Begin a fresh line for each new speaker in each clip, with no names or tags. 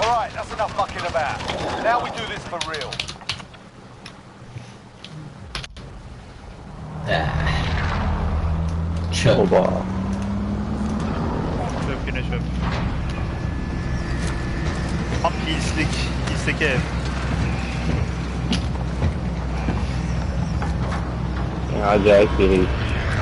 Alright, that's enough mucking about. Now we do this for real.
Çöp.
Oba.
Çöp yine çöp. Tam Hills'teki ev.
Acayip bir herif.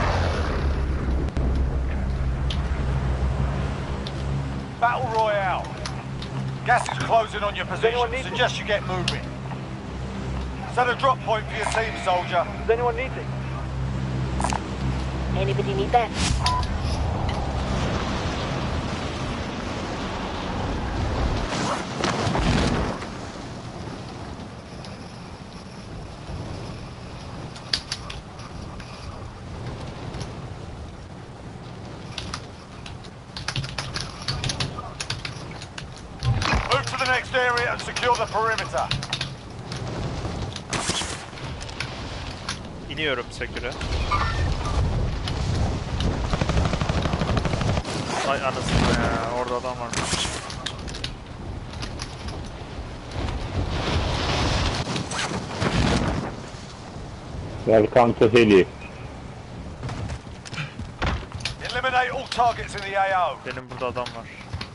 Battle Royale. Gas is closing on your position. Suggest you get moving. Set a drop point for your team, soldier.
Does anyone need things?
Anybody need that?
Move to the next area and secure the perimeter.
İniyorum sektöre. Ay anasını ya, orada adam varmış.
Welcome to Heli.
Eliminate all targets in the AO.
Benim burada adam var.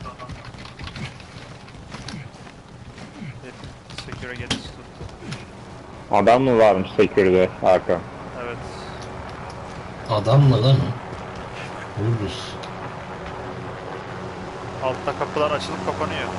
Sektöre geçiş tuttu.
Adam mı varmış sekürde Hakan?
Evet.
Adam mı lan o? Vururuz.
Altta kapılar açılıp kapanıyor.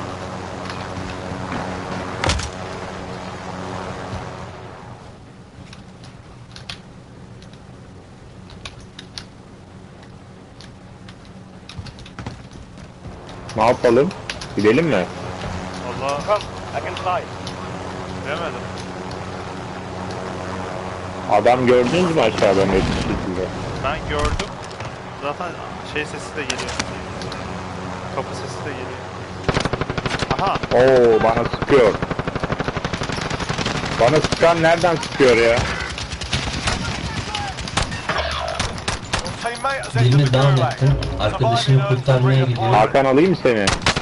Ne yapalım? Gidelim mi?
Allah
Come, I can fly.
bilemedim.
Adam gördünüz mü aşağıda net bir şekilde?
Ben gördüm. Zaten şey sesi de geliyor. Kapı sesi de geliyor. Aha.
Oo bana sıkıyor. Bana sıkan nereden sıkıyor ya?
Your teammate has entered
Birini
the
down
gulag.
ettim. Arkadaşını kurtarmaya gidiyor.
Hakan alayım mı seni?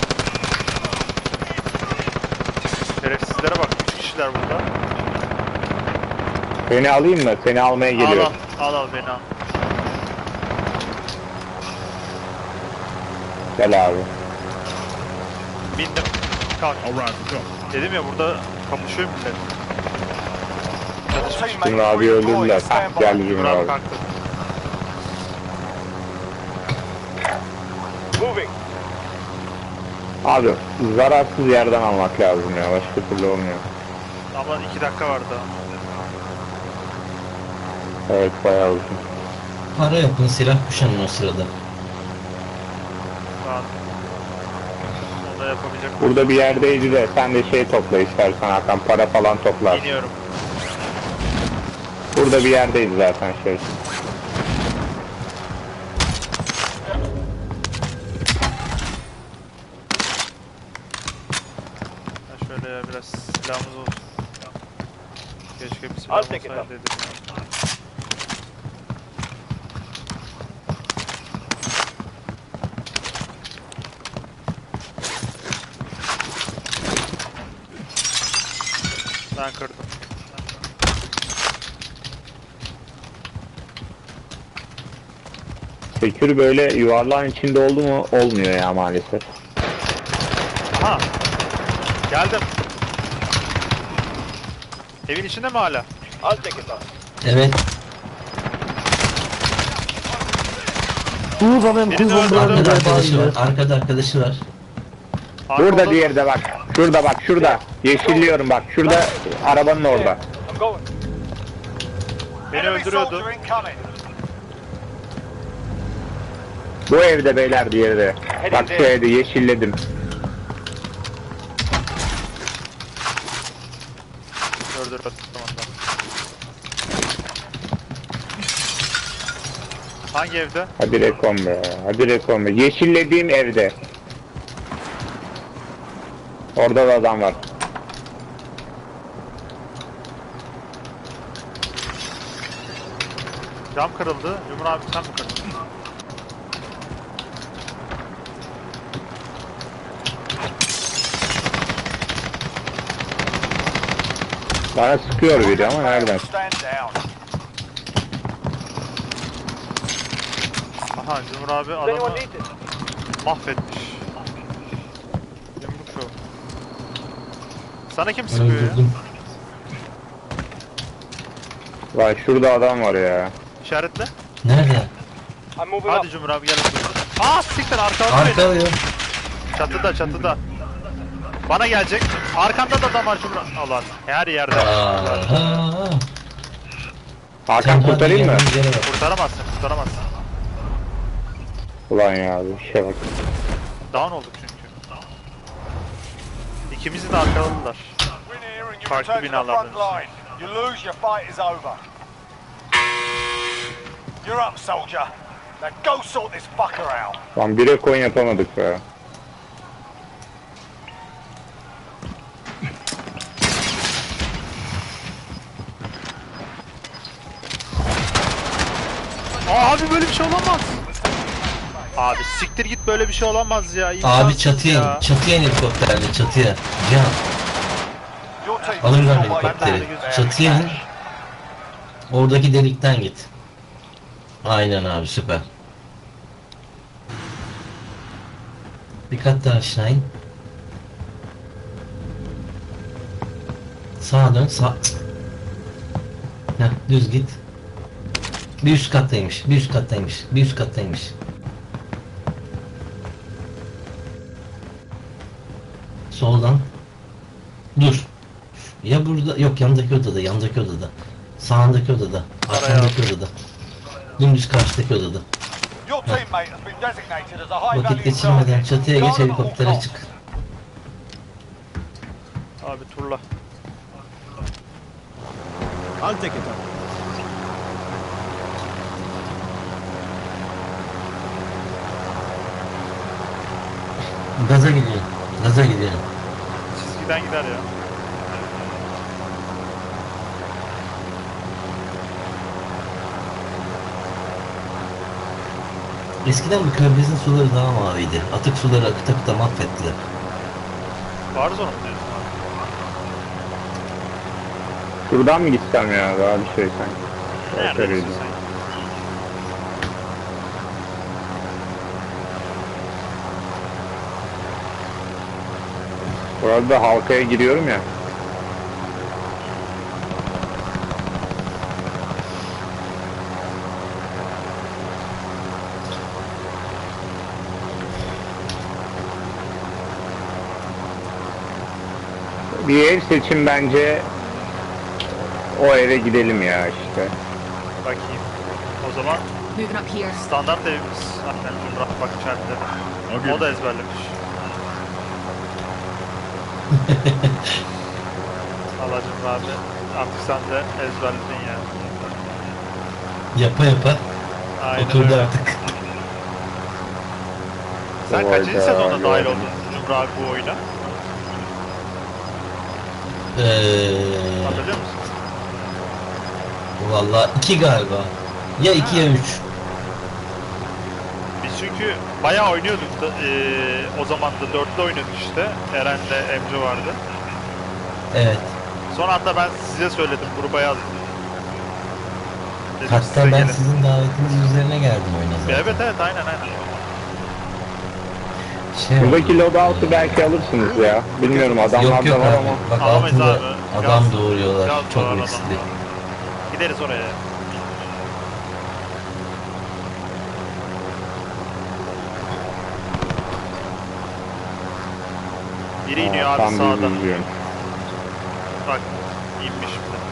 Şerefsizlere bak. 3 kişiler burada.
Seni alayım mı? Seni almaya
Al
geliyorum.
al beni al.
Gel abi.
Bindim. Kalk. Dedim ya burada kapışıyor millet.
Your teammate
Cumhur
is
abi
redeploying.
öldürdüler.
Stand by.
Geldi Cumhur
Burak
abi.
kalktı.
Moving.
Abi zararsız yerden almak lazım ya. Başka türlü olmuyor.
Ama 2 dakika vardı.
Evet bayağı uzun.
Para yapın, silah kuşanın o sırada.
Şu an onu da yapabilecek.
Burada bir yerdeydi de sen de şey topla istersen Hakan, para falan toplar.
İniyorum.
Burada bir yerdeydi zaten şey.
Ha şöyle ya biraz silahımız olsun. Keşke bir silah
Al tek
olsaydı
et
dedim ya. Ben kırdım.
Sekür böyle yuvarlağın içinde oldu mu olmuyor ya maalesef.
Aha! Geldim. Evin içinde mi hala?
I'll take it off.
Evet.
Birini öldürdüm.
Arkada arkadaşı var. Arkada arkadaşı var.
Burada
Arkamda-
diğeri de bak. Şurada bak şurada. Yeşilliyorum bak. Şurada arabanın orada.
I'm going.
Beni
Enemy
öldürüyordu.
soldier incoming.
Bu evde beyler diğeri de. Bak şu evde yeşilledim.
Öldürdüm tamam. Hangi evde?
Hadi rekon be. Hadi rekon be. Yeşillediğim evde. Orada da adam var.
Cam kırıldı. Cumhur abi sen mi kırdın?
Bana sıkıyor biri ama nereden?
Stand down.
Aha Cumhur abi
Does anyone
adamı
need this?
mahvetmiş. Yumruk yok. Sana kim sıkıyor ya?
Öldürdüm.
Vay şurada adam var ya.
İşaretle.
Nerede?
I'm moving
Hadi
up.
Cumhur abi gel. Aa siktir arkamda beni.
Arkalıyor.
Çatıda çatıda. Bana gelecek. Arkanda da adam var Cumhur abi. Allah her yerde.
Aha.
Hakan kurtarayım mı?
geldiğin yere bak.
Kurtaramazsın kurtaramazsın.
Ulan ya bir şey bak.
Down olduk çünkü. İkimizi de arkaladılar.
Win here and you
Farklı
return to the
binalardan
front line. You lose, your fight is over. You're up, soldier. Now go sort this fucker out.
Lan bire coin yapamadık be.
Abi böyle bir şey olamaz. Abi siktir git böyle bir şey olamaz ya.
Abi
İmkansız
çatıya
ya.
in. Çatıya in helikopterle çatıya. Cihan
Your team
alırlar
still waiting
helikopteri.
there.
Çatıya in. Oradaki delikten git. Aynen abi süper. Bir kat daha aşağı in. Sağa dön sağ. Heh, düz git. Bir üst kattaymış. Bir üst kattaymış. Bir üst kattaymış. Soldan. Dur. Ya burada yok yandaki odada yandaki odada. Sağındaki odada. Arkandaki odada. Dümdüz karşıdaki odada.
Your teammate has been designated as a high
Vakit
value
geçirmeden
target.
çatıya geç
Guard them at all
helikoptere
costs.
çık.
Abi turla.
I'll take it up.
Gaza gidiyor. Gaza gidiyor.
Çizgiden gider ya.
Eskiden bu körfezin suları daha maviydi. Atık suları akıta akıta mahvettiler.
Var zor mu diyorsun abi?
Şuradan mı gitsem ya daha bir şey sanki.
Neredesin
Öyleydi.
sen?
Burada halkaya giriyorum ya. Bir ev seçin bence. O eve gidelim ya işte.
Bakayım. O zaman
Moving up here.
standart evimiz. Zaten Cumhur bak içeride. O da ezberlemiş. Allah Cumhur abi. Artık sen de ezberledin ya.
Yapa yapa
Aynen
oturdu
öyle.
artık.
Sen kaçıncı
Hayda,
sezonda dahil
gördüm.
oldun Cumhur abi bu oyuna? Hatırlıyor musun?
Valla 2 galiba. Ya 2 ya 3.
Biz çünkü bayağı oynuyorduk da, o zaman da 4'te oynuyorduk işte. Eren'le Emre vardı.
Evet.
Son anda ben size söyledim, gruba yazdım. Dedim size
Hatta ben
gelin.
sizin davetiniz üzerine geldim oyuna zaten.
Evet evet aynen aynen.
Şey oldu.
Buradaki loadout'u belki alırsınız ya. Bilmiyorum adamlar
Yok yok
da var
abi.
ama.
Bak
Alamayız
altında
abi.
adam
Gaz-
doğuruyorlar.
gaz
Çok
doğuran
riskli.
adam. Gideriz oraya. Biri iniyor abi
Tam bir
sağda.
izliyorum.
Bak inmiş bir de.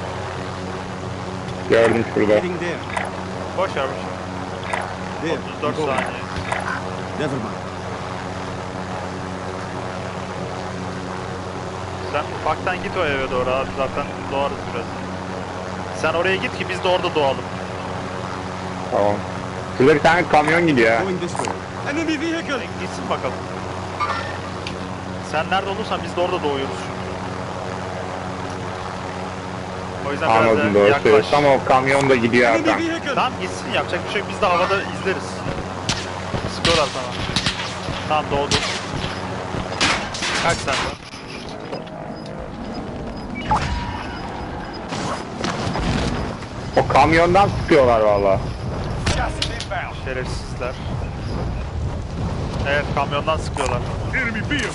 Gördüm şurada.
Heading there.
Boş ver boş ver.
There.
34
Go.
saniye.
Never mind.
Sen ufaktan git o eve doğru abi zaten doğarız biraz. Sen oraya git ki biz de orada doğalım.
Tamam. Şurada bir tane kamyon gidiyor ha.
Going this way. Enemy vehicle.
Gitsin bakalım. Sen nerede olursan biz de orada doğuyoruz çünkü. O yüzden
Anladım
biraz
doğru
da yaklaş.
söylüyorsun ama o kamyon da gidiyor
Enemy
Hakan.
vehicle.
Tamam gitsin yapacak bir şey yok biz de havada izleriz. Sıkıyorlar sana. Tamam doğdu. Kaç sen de.
O kamyondan sıkıyorlar valla.
Gas is inbound.
Şerefsizler. Evet, kamyondan sıkıyorlar.
Enemy vehicle.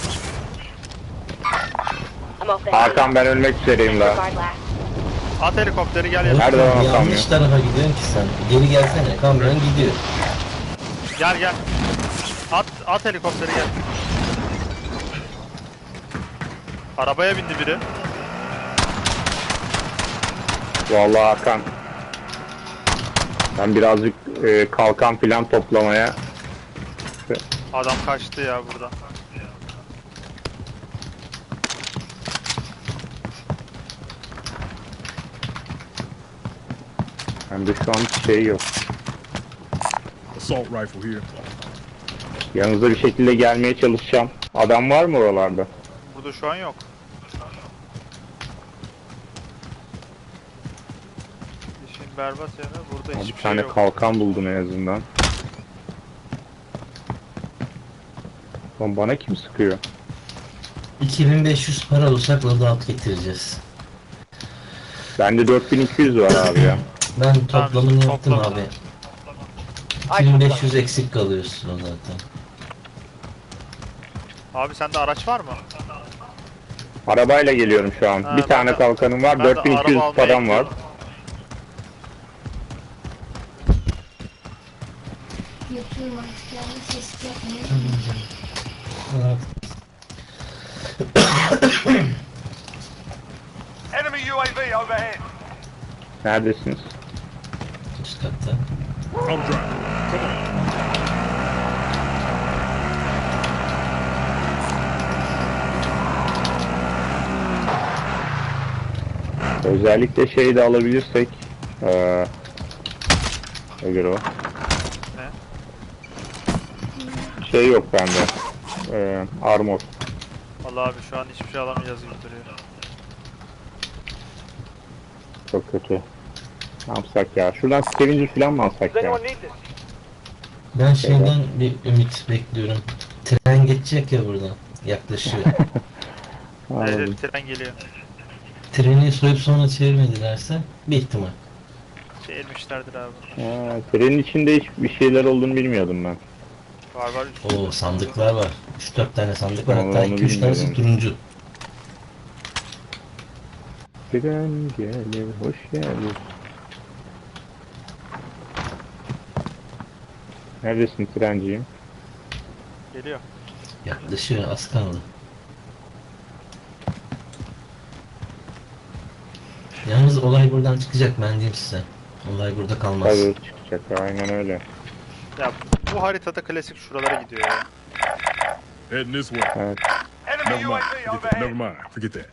I'm off the
Hakan ben ölmek üzereyim daha.
Guard last.
At helikopteri gel ya.
Nerede
Oğlum,
o
yanlış tarafa gidiyorsun ki sen. Geri gelsene. Kamyon gidiyor.
Gel gel. At helikopteri gel. Arabaya bindi biri.
Vallahi Hakan. Ben birazcık kalkan filan toplamaya.
Adam kaçtı ya buradan.
Hem de şu an hiç şey yok.
Assault rifle here.
Yanınıza bir şekilde gelmeye çalışacağım. Adam var mı oralarda?
Burada şu an yok. İşin berbat yanı burada
Bir
hiçbir şey
tane
yok.
kalkan buldum en azından. Lan bana kim sıkıyor?
2500 para olsak loadout getireceğiz.
Bende 4200 var abi ya.
Ben toplamını
Tamam,
yaptım
toplam.
abi. 2500 eksik kalıyorsun o zaten.
Abi sende araç var mı?
Arabayla geliyorum şu an.
Ha,
bir
ben
tane
de-
kalkanım var,
ben de
4200
araba almaya
param var.
gidiyorum.
Yapıyorum artık yani ses yapmıyor.
Enemy UAV overhead.
Neredesiniz?
Üst katta.
I'm driving. Come on.
Özellikle şeyi de alabilirsek. Nedir o?
Ne?
Şey yok bende. Armor.
Vallahi abi şu an hiçbir şey alamayacağız gibi duruyor.
Çok kötü. Ne yapsak ya? Şuradan scavenger falan mı alsak
Does
ya?
anyone need this?
Ben şeyden bir ümit bekliyorum. Tren geçecek ya buradan. Yaklaşıyor.
Anladım.
Evet, tren geliyor.
Treni soyup sonra çevirmedilerse bir ihtimal.
Çevirmişlerdir abi.
Ha, trenin içinde hiç bir şeyler olduğunu bilmiyordum ben.
Var var.
Oo, sandıklar var. 3-4 tane sandık var.
Vallahi
Hatta
onu
2-3 tanesi
bilmiyorum.
turuncu.
Tren gelir, hoş geldin. Neredesin trenciğim?
Geliyor.
Yaklaşıyor, az kaldı. Yalnız olay buradan çıkacak, ben diyeyim size. Olay burada kalmaz.
Tabii çıkacak, aynen öyle.
Ya bu haritada klasik şuralara gidiyor ya.
Heading this way.
Evet.
Enemy
Never mind.
UAV
Forget that. Never
overhead.
mind. Forget that.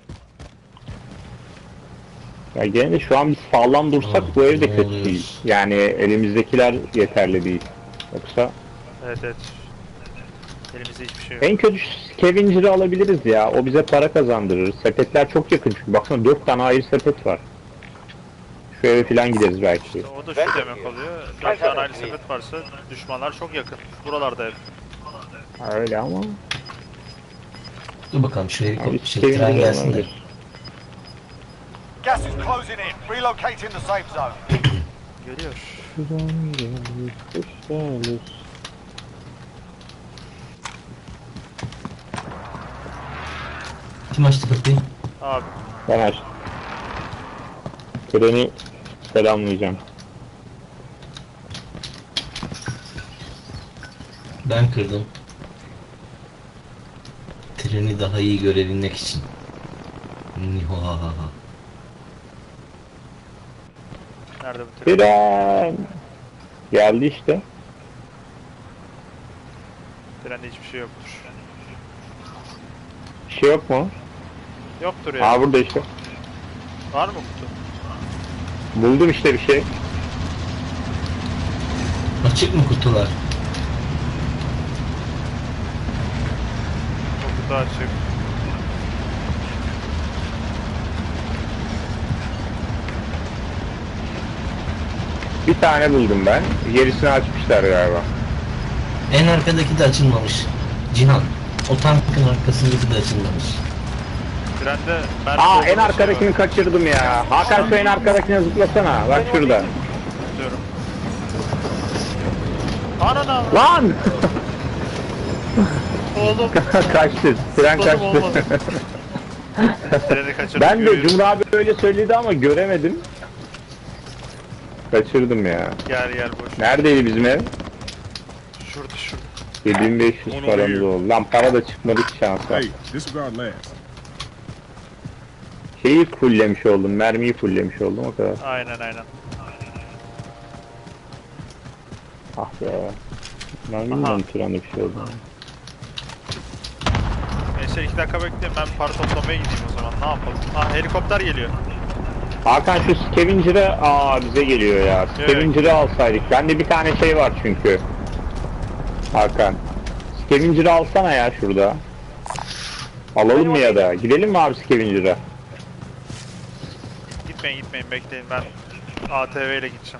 Ya gene de şu an biz sağlam dursak
Oh,
bu evde
ne
kötü
oluyor?
değil. Yani elimizdekiler yeterli değil. Yoksa
Evet evet. Elimizde hiçbir şey yok.
en kötü scavenger'ı alabiliriz ya. O bize para kazandırır. Sepetler çok yakın çünkü. Baksana 4 tane ayrı sepet var. Şu eve falan gideriz belki.
O da şu demek oluyor. 4 tane ayrı sepet varsa düşmanlar çok yakın. Buralarda hep.
Ha, öyle ama.
Dur bakalım şu
Abi
helikopter tren
scavenger
gelsin de.
olabilir.
Gas is closing in. Relocating the safe zone.
Geliyor.
Şuradan gelir, hoş gelir.
Kim açtı kapıyı?
Abi
Ben açtım. Treni selamlayacağım.
Ben kırdım. Treni daha iyi görebilmek için. Nihahaha.
nerede bu tren?
Tren! Geldi işte.
Trende hiçbir şey yoktur.
Bir şey yok mu?
Yoktur ya.
Aa burada işte.
Var mı kutu?
Buldum işte bir şey.
Açık mı kutular?
O kutu açık.
Bir tane buldum ben. Gerisini açmışlar galiba.
En arkadaki de açılmamış. Cihan. O tankın arkasındaki de açılmamış.
Trende mermi
Aa en
doldurma şeyi
arkadakini
var.
kaçırdım ya. Hakan şu en arkadakine zıplasana. Bak şurada.
Diyorum. Anana
Lan!
oğlum.
Kaçtı. Tren
Zıpladım,
kaçtı.
olmadı. Treni kaçırdık.
Ben de
görüyoruz.
Cumhur abi öyle söyledi ama göremedim. Kaçırdım ya.
Gel gel boş.
Neredeydi bizim ev?
Şurada şurada.
7500
Onu
paramız
veriyor.
oldu. Lan para da çıkmadı ki şansa.
Hey, disregard last.
Şeyi fulllemiş oldum. Mermiyi fulllemiş oldum o kadar.
Aynen aynen.
Ah be. Ben bilmiyorum trende bir şey oldu.
Neyse 2 dakika bekleyin, ben para toplamaya gideyim o zaman, ne yapalım. Ah helikopter geliyor.
Hakan şu Scavenger'ı bize geliyor ya. Scavenger'ı alsaydık. Bende bir tane şey var çünkü. Hakan. Scavenger'ı alsana ya şurada. Alalım mı ya da? Gidelim mi abi Scavenger'a?
Gitmeyin bekleyin, ben ATV ile gideceğim.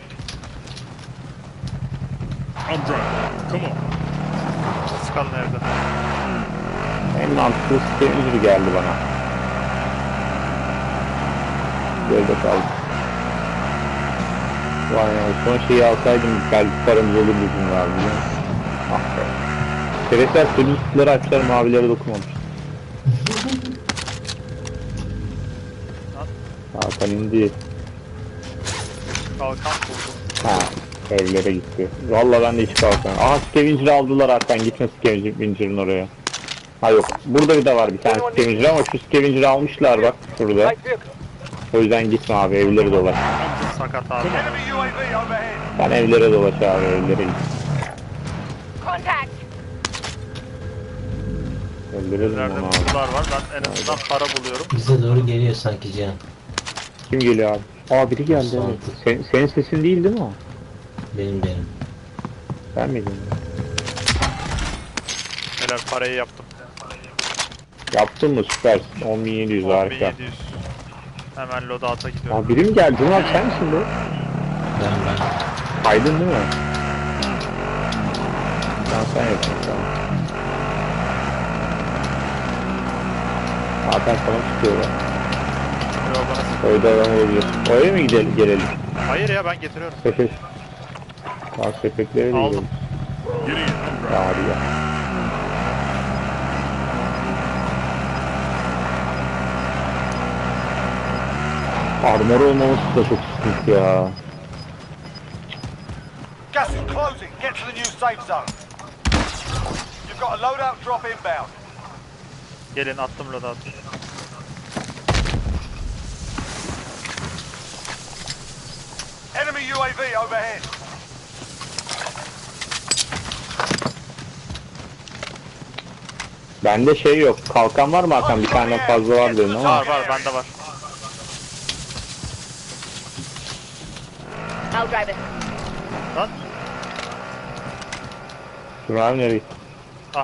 I'm driving. Come on.
Siz kalın evde.
En mantıklı Scavenger geldi bana. Böyle kaldı. Vay ya son şeyi alsaydım belki paramız olurdu bizim var biliyor musun? Ah be. Şerefler sürücüleri açtılar mavilere dokunmamış. Hakan indi.
Kalkan buldum.
Ha, evlere gitti. Vallahi ben de hiç kalkan. Aha Scavenger'ı aldılar Hakan, gitme Scavenger'ın oraya. Ha yok, burada bir de var bir tane Scavenger ama şu Scavenger'ı almışlar bak şurada. O yüzden gitme abi, evlere dolaş.
Sakat abi.
Enemy UAV overhead.
Sen evlere dolaş abi, evlere git.
Contact!
Evlere
Nerede
dolaş abi.
kutular var, ben en azından para buluyorum.
Bize doğru geliyor sanki Cihan.
Kim geliyor abi? Aa biri geldi evet. Senin sesin değil mi o?
Benim.
Sen miydin?
Helal, parayı yaptım.
Yaptın mı, süpersin. 10.700 harika.
1700. Hemen loadout'a gidiyorum.
Aa biri mi geldi? Cumhur abi sen misin bu?
Ben.
Aydın değil mi? Sen yapıyorsun tamam. Hakan sana çıkıyor lan.
Yo, bana sık-
Oyda adam olabilir. Oraya mı gelelim?
Hayır ya, ben getiriyorum.
Sepet. Aa sepetlere de
Aldım.
gidelim.
Get in. I'm driving.
Ya hadi ya. Armor olmaması da çok sıkıntı ya.
Gas is closing. Get to the new safe zone. You've got a loadout drop inbound.
Gelin, attım loadout'u.
Enemy UAV overhead.
Bende şey yok. Kalkan var mı Hakan? Bir tane fazla var dedin ama.
Var bende var.
I'll drive it.
Lan
Cumhur abi nereye gitti?
ah.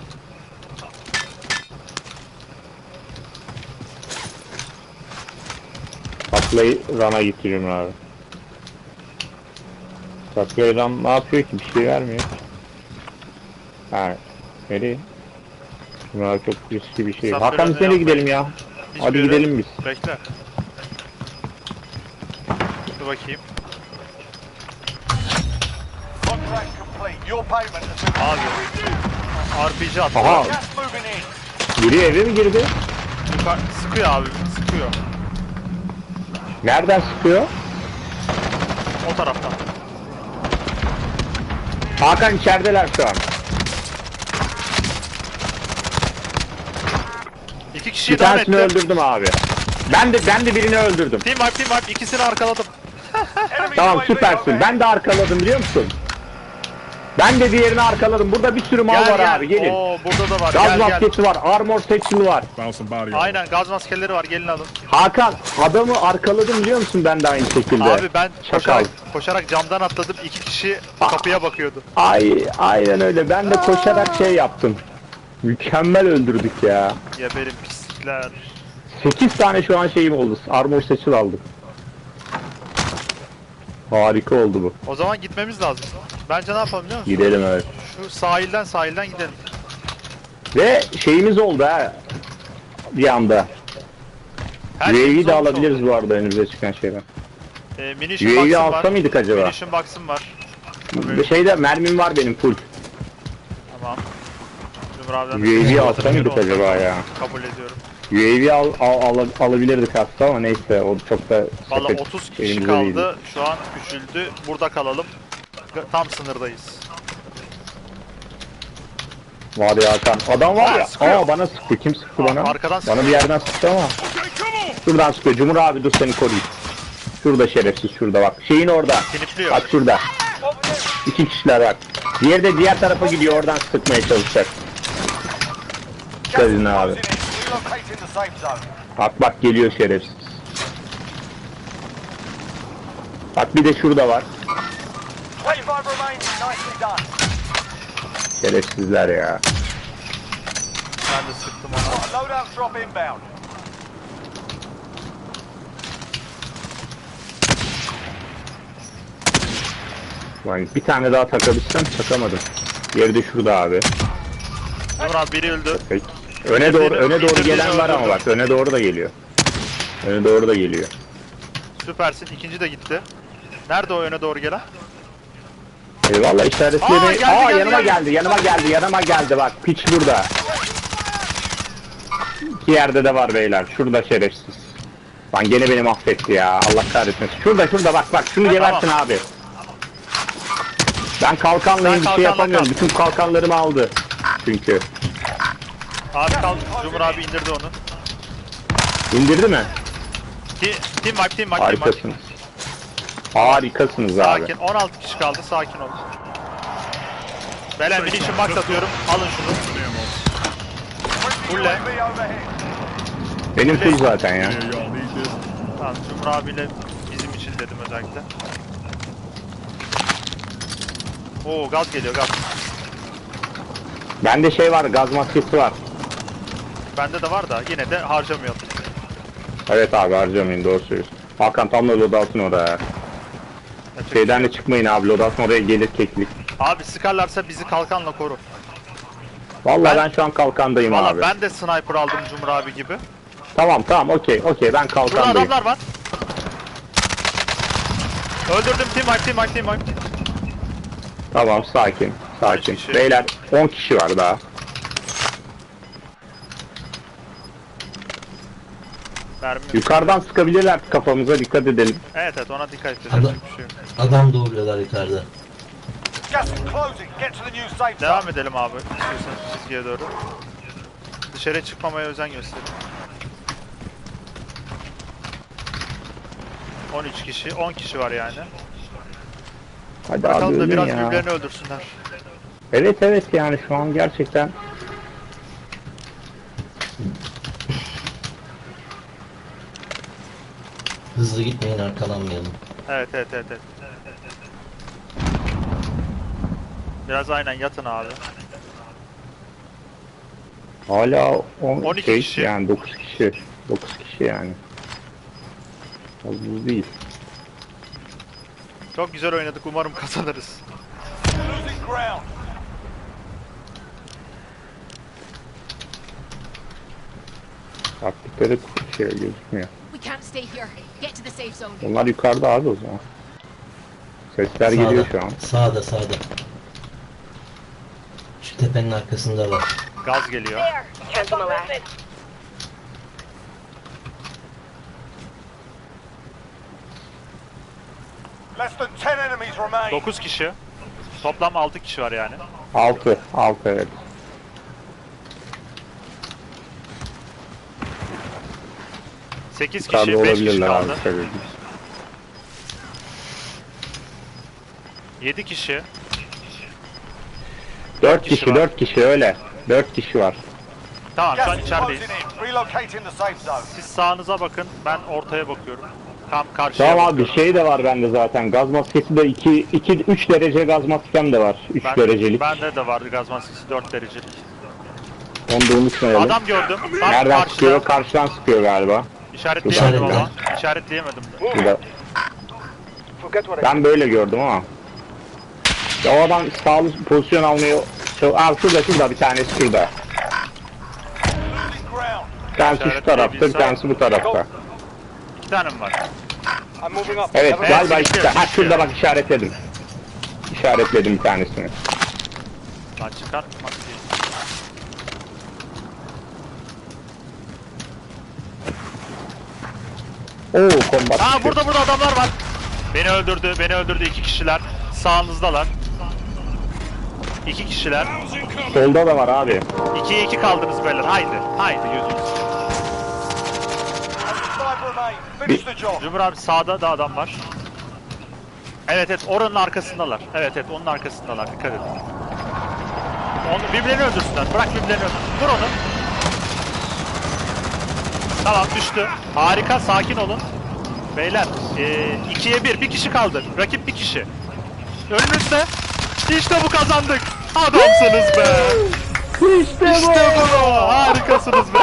Takla'yı Ran'a gitti Cumhur abi. Takla'yı Ran ne yapıyor ki? Bir şey vermiyor. Ha. Nereye? Cumhur abi çok riskli bir şey.
Sen
Hakan biz
böyle
nereye
yapma.
gidelim ya?
Hiçbir
Hadi
yere-
gidelim biz.
Bekle. Dur bakayım.
Contract complete. Your payment has been...
Abi. RPG attı.
Aha.
Gas moving in.
Biri eve mi girdi?
Sıkıyor abi, sıkıyor.
Nereden sıkıyor?
O taraftan.
Hakan içerideler şu an.
İki kişiyi
Bir
daha
tanesini
ettim.
öldürdüm abi. Ben de birini öldürdüm.
Team wipe, ikisini arkaladım.
Enemy
Tamam
UAV
süpersin.
overhead.
Ben de arkaladım biliyor musun? Ben de diğerini arkaladım. Burada bir sürü mal var abi. Gelin.
Oo, burada da var.
Gaz
Gel gel.
maskesi var. Armor satchel var.
Found some body.
Aynen, gaz maskeleri var, gelin alın.
Hakan adamı arkaladım biliyor musun ben de aynı şekilde.
Abi ben
Şakal.
koşarak camdan atladım. İki kişi kapıya bakıyordu.
Aynen öyle. Ben de koşarak şey yaptım. Mükemmel öldürdük ya.
Geberin pislikler.
8 tane şu an şeyim oldu. Armor satchel aldım. Harika oldu bu.
O zaman gitmemiz lazım. Bence ne yapalım biliyor musun?
Gidelim evet.
Şu sahilden gidelim.
Ve şeyimiz oldu ha. Bir anda.
Her
UAV'yi
şeyimiz
de
olmuş
alabiliriz
oldu.
bu arada önümüze çıkan şeyden.
Munition
UAV
box'ım
alsa
var.
mıydık acaba?
Munition box'ım var.
Bir şeyde mermim var benim full.
Tamam. Cumhur abiden de
UAV
teşekkür
alsa
ederim.
mıydık
Onu da
acaba ya?
Kabul ediyorum.
UAV alabilirdik aslında ama neyse o çok da
Valla
sepet
30 kişi
elimizde
kaldı.
değildi.
Şu an küçüldü. Burada kalalım. Tam sınırdayız.
Var ya Hakan. Adam var ya.
sıkıyor.
Bana sıktı. Kim sıktı bana?
Arkadan sıkıyor.
Bana bir yerden sıktı ama. Şuradan sıkıyor. Cumhur abi dur seni koruyayım. Şurada şerefsiz şurada bak. Şeyin orada.
Tinitliyor.
Bak şurada. İki kişiler bak. Diğeri de diğer tarafa gidiyor oradan sıkmaya çalışacak.
Gas is
Dedin abi.
closing in. Relocating the safe zone.
Bak geliyor şerefsiz. Bak bir de şurada var.
25 remaining. Nicely done.
Şerefsizler ya.
Ben de sıktım ona.
A loadout drop inbound.
Lan bir tane daha takabilsem takamadım. Yeri de şurada abi.
Cumhur abi biri öldü.
Peki. Öne doğru gelen var ama bak öne doğru da geliyor. Öne doğru da geliyor.
Süpersin. İkinci de gitti. Nerede o öne doğru gelen?
Eyvallah işaretleri.
geldi,
Yanıma geldi bak. Piç burada. İki yerde de var beyler. Şurada şerefsiz. Lan gene beni mahvetti ya. Allah kahretmesin. Şurada bak. Şunu gebersin abi. Ben kalkanlayım bir şey
kalkanla
yapamıyorum.
kal.
Bütün kalkanlarımı aldı. Çünkü.
Abi kal. Cumhur abi indirdi onu.
İndirdi mi?
Team wipe.
Harikasınız. Harikasınız abi.
Sakin. 16 kişi kaldı. Sakin olun. Belen munition box atıyorum. Alın şunu. Fulle.
UAV overhead.
Benim full zaten ya.
Yeah, y'all need this.
Tamam. Cumhur abiyle bizim için dedim özellikle. Oo gaz geliyor gaz.
Bende şey var, gaz maskesi var.
Bende de var da yine de harcamayalım.
Evet abi harcamayın doğru söylüyorsun. Hakan tam da loadout'un orada ya.
Yapacak bir
Şeyden
şey
de
yok.
çıkmayın abi loadout'un oraya gelir keklik.
Abi sıkarlarsa bizi kalkanla koru.
Vallahi
Ben-
ben şu an kalkandayım
Valla
abi.
ben de sniper aldım Cumhur abi gibi.
Tamam okey ben
Burada
kalkandayım.
adamlar var. Öldürdüm team wipe.
Tamam sakin.
13 kişi.
Beyler 10 kişi var daha.
Mermi.
Yukarıdan sıkabilirler kafamıza dikkat edelim.
Evet ona dikkat edeceğiz.
Adam,
Yapacak bir şey yok.
adam doğruyorlar yukarıda.
Gas is closing. Get to the new safe zone.
Devam edelim abi. İstiyorsanız çizgiye doğru. Dışarıya çıkmamaya özen gösterin. 13 kişi, 10 kişi var yani.
Hadi abi
Bakalım da
ölün
biraz
ya.
birbirlerini öldürsünler.
Evet yani şu an gerçekten.
Hızlı gitmeyin arkalanmayalım.
Evet. Biraz aynen yatın abi.
Hala
12 kişi.
yani 9 kişi. 9 kişi yani. Az buz değil.
Çok güzel oynadık. Umarım kazanırız.
Losing ground.
Taktikleri şey gözükmüyor.
We can't stay here. Get to the safe zone.
Onlar yukarıda abi o zaman. Sesler geliyor şu an.
Sağda. Şu tepenin arkasında var.
Gaz geliyor.
There. Cancel my last.
Less than 10 enemies remain.
9 kişi. Toplam 6 kişi var yani.
6 evet.
Sekiz
Yukarıda
kişi, 5 kişi
olabilirler abi.
kaldı.
Söyleyeyim.
7 kişi.
4
kişi
kişi
var.
4 kişi öyle. 4 kişi var.
Tamam şu an
Gas is
içerideyiz.
closing in. Relocating the safe zone.
Siz sağınıza bakın, ben ortaya bakıyorum. Tam karşıya
Tamam abi
bakıyorum.
şey de var bende zaten. Gaz maskesi de 3 derece gaz maskem de var. 3 derecelik.
Bende de vardı gaz maskesi 4 derecelik.
Onu da unutmayalım.
Adam gördüm. Tam
Nereden
karşıda.
sıkıyor? Karşıdan sıkıyor galiba.
İşaretleyemedim
İşaretle.
ama. İşaretleyemedim de.
Burada.
Forget what I
Ben böyle gördüm ama. Ya o adam sağlı pozisyon almıyor. Abi şurada bir tanesi şurada.
Losing ground.
Bir tanesi şu tarafta, bir tanesi bu tarafta.
tane mi var?
I'm moving up.
Evet
Have a-
galiba
Evet,
işte. Ha
evet.
şurada bak işaretledim. İşaretledim bir tanesini.
Lan çıkartmak değil.
Oo kombat.
Aa burada adamlar var. Beni öldürdü iki kişiler. Sağınızdalar. İki kişiler.
Solda da var abi.
2'ye 2 kaldınız beyler. Haydi yüzünüz.
Only 5 remain. Finish the job.
Cumhur abi sağda da adam var. Evet oranın arkasındalar. Evet onun arkasındalar. Dikkat edin. Birbirlerini öldürsünler. Bırak birbirlerini öldürsün. Vur onu. Tamam düştü. Harika sakin olun. Beyler 2'ye 1. Bir kişi kaldı. Rakip bir kişi. Önünüzde. İşte bu kazandık. Adamsınız be. İşte bu. Harikasınız be.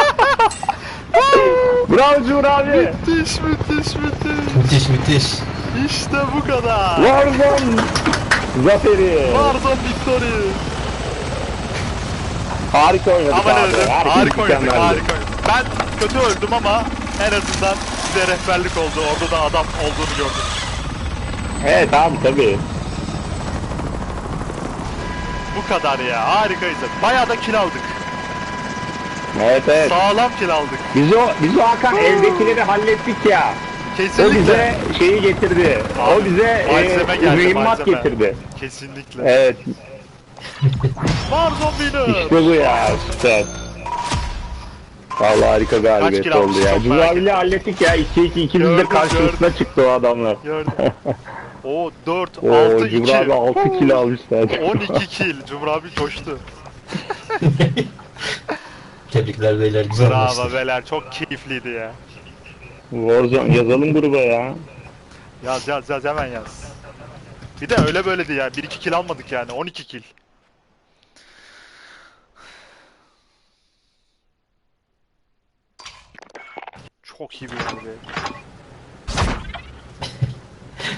Bravo Cumhur abi.
Müthiş.
Müthiş.
İşte bu kadar.
Warzone zaferi.
Warzone victory.
Harika oynadık
Aman
abi.
öyle.
Herkes
Harika oynadık.
mükemmeldi.
Ben kötü öldüm ama en azından size rehberlik oldu. Orada da adam olduğunu gördüm.
Evet abi tabii.
Bu kadar ya. Harikayız. Bayağı da kill aldık.
Evet.
Sağlam kill aldık.
Biz o Hakan evdekileri hallettik ya. O
Kesinlikle.
bize şeyi getirdi.
Abi,
O bize
malzeme geldi,
mühimmat
malzeme.
getirdi.
Kesinlikle.
Evet.
Warzone winner.
İşte bu ya. Süper. Vallahi harika galibiyet
kill almış,
oldu ya.
çok
Cumhur
merak
abiyle hallettik ya. 2-2 ikimiz de
Gördüm,
karşımızda çıktı o adamlar.
Gördüm. O 4,
Oo
6,
Cumhur
2.
abi 6 kilo almışlar.
12 kill. Cumhur abi koştu.
Tebrikler beyler, güzel
Bravo
maçtı.
beyler. Çok keyifliydi ya.
Warzone yazalım gruba ya.
Yaz hemen yaz. Bir de öyle böyledi ya. 1-2 kill almadık yani. 12 kill. Çok iyi bir oyundu be.